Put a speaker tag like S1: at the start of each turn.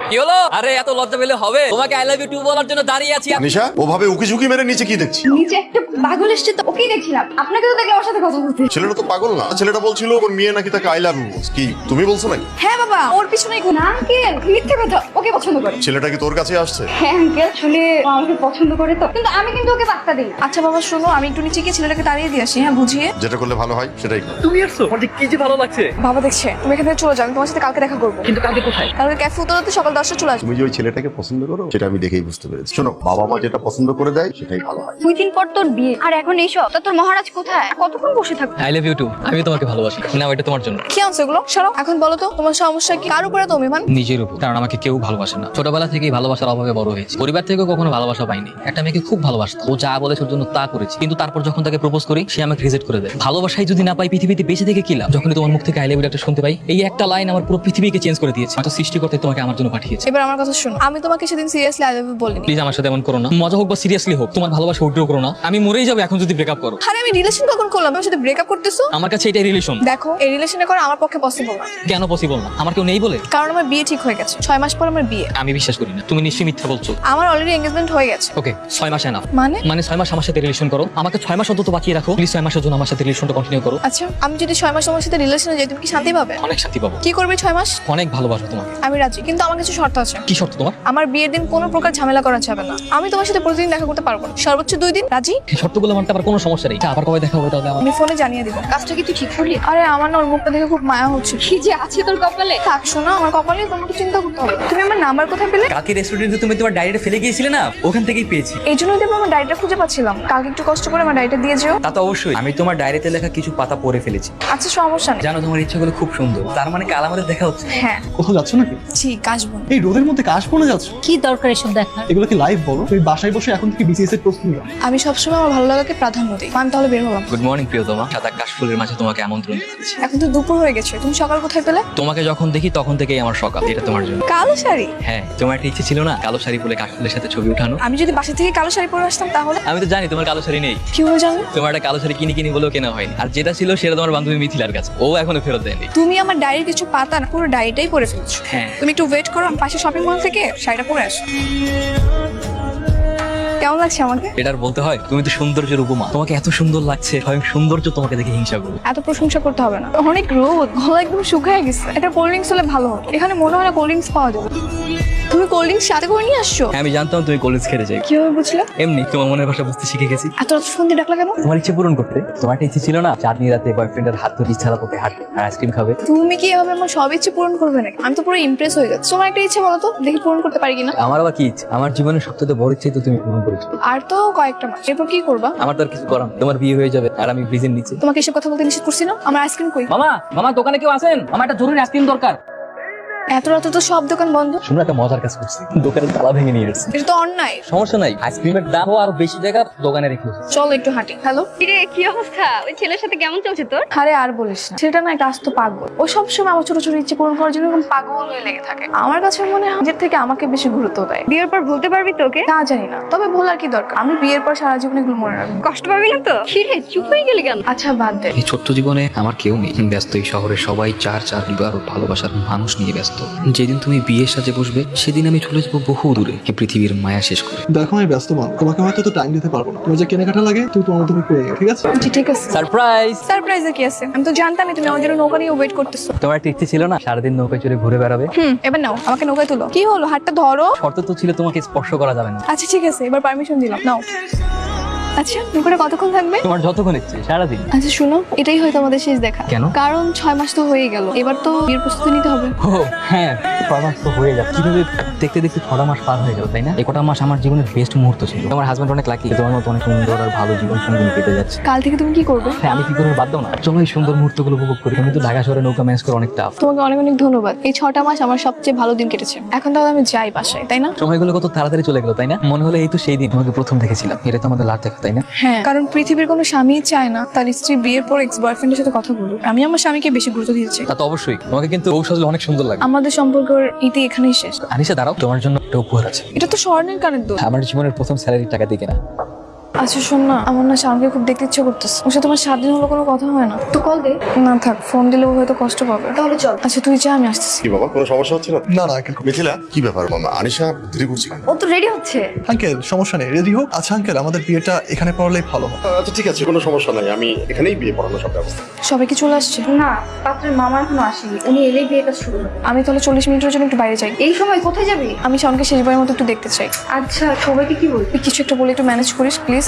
S1: কি হলো? আরে এত লজ্জা পেলে হবে? তোমাকে আই লাভ ইউ টু বলার জন্য দাঁড়িয়ে আছি।
S2: নিশা ওভাবে উকি ঝুঁকি মেরে নিচে কি দেখছি?
S3: নিচে একটা পাগল এসছে তো ওকেই দেখছিলাম। আপনাকে তো দেখলে ওর সাথে কথা বলতে।
S2: ছেলেটা তো পাগল না, ছেলেটা বলছিল ওর মেয়ে নাকি তাকে আই লাভ ইউ। কি তুমি বলছো নাকি?
S3: হ্যাঁ বাবা, ওর পিছনেই না আঙ্কেল, মিথ্যে কথা। ওকে পছন্দ করে।
S2: ছেলেটা কি তোর কাছে আসছে?
S3: হ্যাঁ আঙ্কেল, আসলে ও আমাকে পছন্দ করে তো, কিন্তু আমি কিন্তু ওকে পাত্তা দিই না।
S4: আচ্ছা বাবা শোনো, আমি একটু নিচে গিয়ে ছেলেটাকে তাড়িয়ে দিয়ে আসি, হ্যাঁ বুঝিয়ে।
S2: যেটা করলে ভালো হয় সেটাই কর।
S1: তুমি আসছো? আমার যে কি যে ভালো লাগছে।
S4: বাবা দেখছে তুমি এখান থেকে চলে যাও, আমি তোমার সাথে কালকে দেখা করবো।
S1: কিন্তু কালকে কোথায়?
S4: কালকে ক্যাফে উত্তরাতে সকাল 10টা চলে আসবে।
S2: তুমি যে ওই ছেলেটাকে পছন্দ করো সেটা আমি দেখেই বুঝতে পেরেছি। শোনো, বাবা মা যেটা পছন্দ করে দেয় সেটাই ভালো হয়।
S3: 2 দিন পর তোর বিয়ে, আর এখন এইসব। তা তোর মহারাজ কোথায়? কতক্ষণ বসে থাকবো?
S1: I love you too. আমি তোমাকে ভালোবাসি। না, এটা তোমার জন্য।
S4: কি আনছো এগুলো? সরো এখন বলো তো তোমার সমস্যা কি? কার উপরে তো অভিমান?
S1: নিজের উপর। কারণ আমাকে কেউ ভালোবাসে না। ছোটবেলা থেকেই ভালোবাসার অভাবে বড় হয়েছে। পরিবার থেকেও কখনো ভালোবাসা পাইনি। একটা মেয়েকে খুব ভালোবাসতো, ও যা বলেছে ওর জন্য তা করেছি। কিন্তু তারপর যখন তাকে প্রপোজ করি, সে আমাকে রিজেক্ট করে দেয়। ভালোবাসাই যদি না পাই পৃথিবীতে বেঁচে থেকে কি লাভ? যখনই তোমার মুখ থেকে আই লাভ ইউ একটা শুনতে পাই, এই একটা লাইন আমার পুরো পৃথিবীকে চেঞ্জ করে দিয়েছে। হয়তো সৃষ্টিকর্তা তোমাকে আমার জন্য পাঠিয়েছে।
S4: এবার আমার কথা শোনো, আমি তোমাকে সেদিন সিরিয়াসলি আই লাভ ইউ বলিনি।
S1: প্লিজ আমার সাথে এমন করো না। মজা হোক বা সিরিয়াসলি হোক, তোমার ভালোবাসা উইথড্র করো না। আমি মরেই যাবো এখন যদি ব্রেকআপ করো।
S4: আরে আমি রিলেশন কখন করলাম? আমার সাথে ব্রেকআপ করতেছো?
S1: আমার কাছে এটাই রিলেশন।
S4: দেখো এই রিলেশনে করা আমার পক্ষে পসিবল না।
S1: কেন পসিবল না? আমার কেউ নেই বলে?
S4: কারণ আমার বিয়ে ঠিক হয়ে গেছে, 6 মাস পর আমার বিয়ে।
S1: আমি বিশ্বাস করি না। তুমি নিশ্চয়ই মিথ্যা বলছো।
S4: আমার অলরেডি এঙ্গেজমেন্ট হয়ে গেছে।
S1: ওকে, 6 মাস এনাফ।
S4: মানে
S1: 6 মাস আমার সাথে রিলেশন করো। আমাকে 6 মাস অন্তত বাঁচিয়ে রাখো প্লিজ। 6 মাসের জন্য আমার সাথে রিলেশনটা কন্টিনিউ করো।
S4: আচ্ছা আমি যদি 6 মাস তোমার সাথে রিলেশনে যাই, তুমি কি শান্তি পাবে?
S1: অনেক শান্তি পাবো।
S4: কি করবে 6 মাস?
S1: অনেক ভালোবাসো তোমাকে।
S4: আমি রাজি, কিন্তু আমার কিছু শর্ত আছে।
S1: কি শর্ত তোমার?
S4: আমার বিয়ের দিন কোনো প্রকার ঝামেলা করা যাবে না। আমি তোমার সাথে প্রতিদিন দেখা করতে পারবো না, সর্বোচ্চ 2 দিন। রাজি?
S1: এই শর্তগুলো মানতে আবার কোনো সমস্যা নেই। আবার কবে দেখা হবে তাহলে? আমার
S4: আমি ফোনে জানিয়ে দিব।
S3: কাজটা কি তুই ঠিক করলি?
S4: আরে আমার না ওর মুখটা দেখে খুব মায়া হচ্ছে।
S3: কি যে আছে তোর কপালে।
S4: থাক শোনো, আমার কপালে তোমাকে চিন্তা করতে হবে। তুমি আমার নাম্বার কোথায় পেলে?
S1: কালকে রেস্টুরেন্টে তুমি তোমার ডায়েরিটা ফেলে গিয়েছিলে না, ওখান থেকেই পেয়েছি।
S4: এই জন্যই তো আমার ডায়েরিটা খুঁজে পাচ্ছিলাম না। কালকে একটু কষ্ট করে আমার ডায়েরিটা দিয়ে যেও।
S1: তা তো অবশ্যই। আমি তোমার ডায়েরিতে লেখা কিছু পাতা পড়ে ফেলেছি।
S4: আচ্ছা সমস্যা নেই।
S1: জানো তোমার ইচ্ছাগুলো খুব সুন্দর। তার মানে কাল আমাদের দেখা হচ্ছে।
S4: হ্যাঁ
S5: কোথাও যাচ্ছ নাকি?
S4: ঠিক আসবো।
S5: এই রোদের মধ্যে কাশ পড়ে যাচ্ছ?
S6: কি দরকার এসব দেখার?
S5: এগুলো কি লাইভ বলো? তুমি বাসায় বসে এখন থেকে বিসিএস এর প্রস্তুতি নাও।
S4: আমি সবসময় আমার ভালো লাগাকে প্রাধান্য দিই। আমি তাহলে বের হলাম।
S1: গুড মর্নিং প্রিয়তমা। সাদা কাশফুলের মাঝে তোমাকে আমন্ত্রণ জানাচ্ছি।
S4: এখন তো দুপুর হয়ে গেছে, তুমি সকাল কোথায় পেলে?
S1: তোমাকে যখন দেখি তখন থেকেই আমার সকাল। এটা তোমার জন্য।
S4: কালো শাড়ি?
S1: হ্যাঁ, তোমার একটা ইচ্ছে ছিল না কালো শাড়ি পরে কাশফুলের সাথে ছবি উঠানো?
S4: আমি যদি বাসা থেকে কালো শাড়ি পরে আসতাম তাহলে?
S1: আমি তো জানি তোমার কালো শাড়ি নেই।
S4: কিভাবে জানো?
S1: তোমার একটা কালো শাড়ি কিনি বলেও কেনা হয়নি। আর যেটা ছিল সেটা তোমার বান্ধবী মিথিলার কাছে, ও এখনো ফেরত দেয়নি।
S4: তুমি আমার ডায়েরির কিছু পাতা না পুরো ডায়েরিটাই পরে ফেলছো।
S1: হ্যাঁ।
S4: তুমি একটু ওয়েট করো, আমি পাশে শপিং মল থেকে শাড়িটা পরে আসো। কেমন লাগছে আমাকে?
S1: এটা আর বলতে হয়? তুমি তো সৌন্দর্যের উপমা। তোমাকে এত সুন্দর লাগছে, স্বয়ং সৌন্দর্য তোমাকে দেখে হিংসা করবে।
S4: এত প্রশংসা করতে হবে না, অনেক রোদ, গলা একদম শুকিয়ে গেছে। একটা কোল্ড ড্রিঙ্কস হলে ভালো হতো। এখানে মনে হয় না কোল্ড ড্রিঙ্কস পাওয়া যাবে। তুমি কোল্ড ড্রিঙ্কস সাথে করে নিয়ে আসছো?
S1: হ্যাঁ, আমি জানতাম তুমি কলেজ খেতে চাই।
S4: কিভাবে বুঝলে?
S1: এমনি তোমার মনের ভাষা বুঝতে শিখে গেছি।
S4: এত রাত ফোন দিয়ে ডাকলা কেন?
S1: তোমার ইচ্ছে পূরণ করতে। তোমার একটা ইচ্ছে ছিল না চাঁদনি রাতে বয়ফ্রেন্ডের হাত ধরে ইচ্ছা করতে হাঁটবে আর আইসক্রিম খাবে?
S4: তুমি কি এভাবে আমার সব ইচ্ছে পূরণ করবে নাকি? আমি তো পুরো ইমপ্রেস হয়ে যাচ্ছি। তোমার একটা ইচ্ছে বলো তো, দেখি পূরণ করতে পারি কিনা।
S1: আমার আবার কি ইচ্ছে? আমার জীবনের সবচেয়ে বড় ইচ্ছে তো তুমি পূরণ করেছো।
S4: আর তো কয়েকটা মাস, এরপর কি করবা?
S1: আমার তো আর কিছু করার নেই। তোমার বিয়ে হয়ে যাবে আর আমি ব্রিজের নিচে।
S4: তোমাকে এসব কথা বলতে নিষেধ করছি না? আমার আইসক্রিম কই?
S1: মামা দোকানে কেউ আছেন? আমার একটা জরুরি আইসক্রিম দরকার।
S4: এত রাতে তো সব দোকান বন্ধ।
S1: শুনো, একটা মজার কাজ করছি। দোকানের তালা ভেঙে নিয়ে এসেছি।
S4: এটা তো অন্যায়।
S1: সমস্যা নাই, আইসক্রিমের দাম আরো বেশি জায়গা দোকানে রেখে এসেছি।
S4: চলো একটু হাঁটি। হ্যালো।
S3: কিরে কি অবস্থা? ওই ছেলের সাথে কেমন চলছে তোর?
S4: আরে আর বলিস না, সেটা না একটা আস্ত পাগল। ও সবসময় আমার ছোট ছোট ইচ্ছে পূরণ করার জন্য এরকম পাগল হয়ে লেগে থাকে। আমার কাছে মনে হয় নিজের থেকে আমাকে বেশি গুরুত্ব দেয়।
S3: বিয়ের পর ভুলতে পারবি তো ওকে?
S4: তা জানি না, তবে ভোলার কি দরকার? আমি বিয়ের পর সারা জীবন এগুলো মনে রাখবো।
S3: কষ্ট পাবি না তো? কিরে চুপ হয়ে গেলি কেন?
S4: আচ্ছা বাদ দে।
S1: এই ছোট্ট জীবনে আমার কেউ নেই। ব্যস্ত এই শহরে সবাই চার বিবাহ ভালোবাসার মানুষ নিয়ে ব্যস্ত। যেদিন তুমি বিয়ের সাজে বসবে সেদিন আমি চলে যাবো বহু দূরে, এই পৃথিবীর মায়া শেষ করে।
S5: দেখো আমি ব্যস্ত মানুষ, তোমাকে হয়তো তো টাইম দিতে পারবো না। তোমার যে কেনাকাটা লাগে তুমি তোমার মতো করে নিও, ঠিক আছে?
S4: জি ঠিক আছে।
S1: সারপ্রাইজ!
S4: সারপ্রাইজে কি আছে? আমি তো জানতামই তুমি আমার জন্য নৌকা নিয়ে ওয়েট করতেছো।
S1: তোমার একটা ইচ্ছে ছিল না সারাদিন নৌকায় চড়ে ঘুরে বেড়াবে?
S4: এবার নাও, আমাকে নৌকায় তুলো। কি হলো, হাতটা ধরো।
S1: শর্ত তো ছিল তোমাকে স্পর্শ করা যাবে না।
S4: আচ্ছা ঠিক আছে, এবার পারমিশন দিলাম, নাও। আচ্ছা নৌকাটা কতক্ষণ থাকবে?
S1: তোমার যতক্ষণ ইচ্ছে সারাদিন।
S4: আচ্ছা শুনো, এটাই হয়তো আমাদের শেষ দেখা।
S1: কেন?
S4: কারণ 6 মাস তো হয়ে গেল, এবার তো বিয়ের প্রস্তুতি নিতে হবে।
S1: ও হ্যাঁ, 6 মাস তো হয়ে যাবে। কিভাবে দেখতে দেখতে 6টা মাস পার হয়ে গেল, তাই না? এই কটা মাস আমার জীবনের বেস্ট মুহূর্ত ছিল। তোমার হাজবেন্ড অনেক লাকি, তোমার মতো অনেক সুন্দর আর ভালো জীবন সঙ্গী পেতে যাচ্ছে।
S4: কাল থেকে তুমি কি করবে?
S1: হ্যাঁ, আমি কি করে বাদ দাও না? চলো এই সুন্দর মুহূর্তগুলো উপভোগ করি। তুমি তো ঢাকা শহরে নৌকা ম্যানেজ করে অনেক টাফ।
S4: তোমাকে অনেক অনেক ধন্যবাদ। এই 6টা মাস আমার সবচেয়ে ভালো দিন কেটেছে। এখন তাহলে আমি যাই বাসায়, তাই না?
S1: সময়গুলো কত তাড়াতাড়ি চলে গেল, তাই না? মনে হলো এই তো সেই দিন তোমাকে প্রথম দেখেছিলাম। এটা তো আমাদের লাস্ট দেখা, তাই না?
S4: হ্যাঁ, কারণ পৃথিবীর কোনো স্বামী চায় না তার স্ত্রী বিয়ের পর এক্স বয়ফ্রেন্ডের সাথে কথা বলুক। আমি আমার স্বামীকে বেশি গুরুত্ব দিয়েছি।
S1: তা তো অবশ্যই। তোমাকে কিন্তু বউ সাজলে অনেক সুন্দর লাগে।
S4: আমাদের সম্পর্কের ইতি এখানেই শেষ।
S1: আনিশা দাঁড়াও, তোমার জন্য একটা উপহার আছে।
S4: এটা তো স্বর্ণের কানের দোষ।
S1: আমার জীবনের প্রথম স্যালারির টাকা দিয়ে কেনা।
S4: আচ্ছা শোন না, আমার না শাওনকে খুব দেখতে ইচ্ছে করতেছে। ওর সাথে তোমার 7 দিন হলো কোনো কথা হয় না।
S3: তো কল দে।
S4: না থাক, ফোন দিলে ও হয়তো কষ্ট পাবে।
S3: তাহলে চল।
S4: আচ্ছা তুই যা, আমি আসতেছি।
S2: কি বাবা কোনো সমস্যা হচ্ছে না?
S5: না না আঙ্কেল।
S2: মিথিলা কি ব্যাপার মামা, আনিশা দেরি করছে কেন?
S3: ও তো রেডি হচ্ছে।
S5: আঙ্কেল সমস্যা নেই, রেডি হোক। আচ্ছা আঙ্কেল, আমাদের বিয়েটা এখানে পড়ালেই ভালো হয়।
S2: আচ্ছা ঠিক আছে, কোনো সমস্যা নাই, আমি এখানেই বিয়ে পড়ানো সব ব্যবস্থা।
S4: সবাই কি চলে আসছে?
S3: না, পাত্রের মামা এখনো আসেনি, উনি এলেই বিয়ে কাজ শুরু হবে।
S4: আমি তাহলে 40 মিনিটের জন্য একটু বাইরে যাই।
S3: এই সময় কোথায় যাবি?
S4: আমি শাওনকে শেষবারের মতো একটু দেখতে চাই।
S3: আচ্ছা, সবাইকে কি বলবি?
S4: তুই কিছু একটা বলে একটু ম্যানেজ করিস প্লিজ।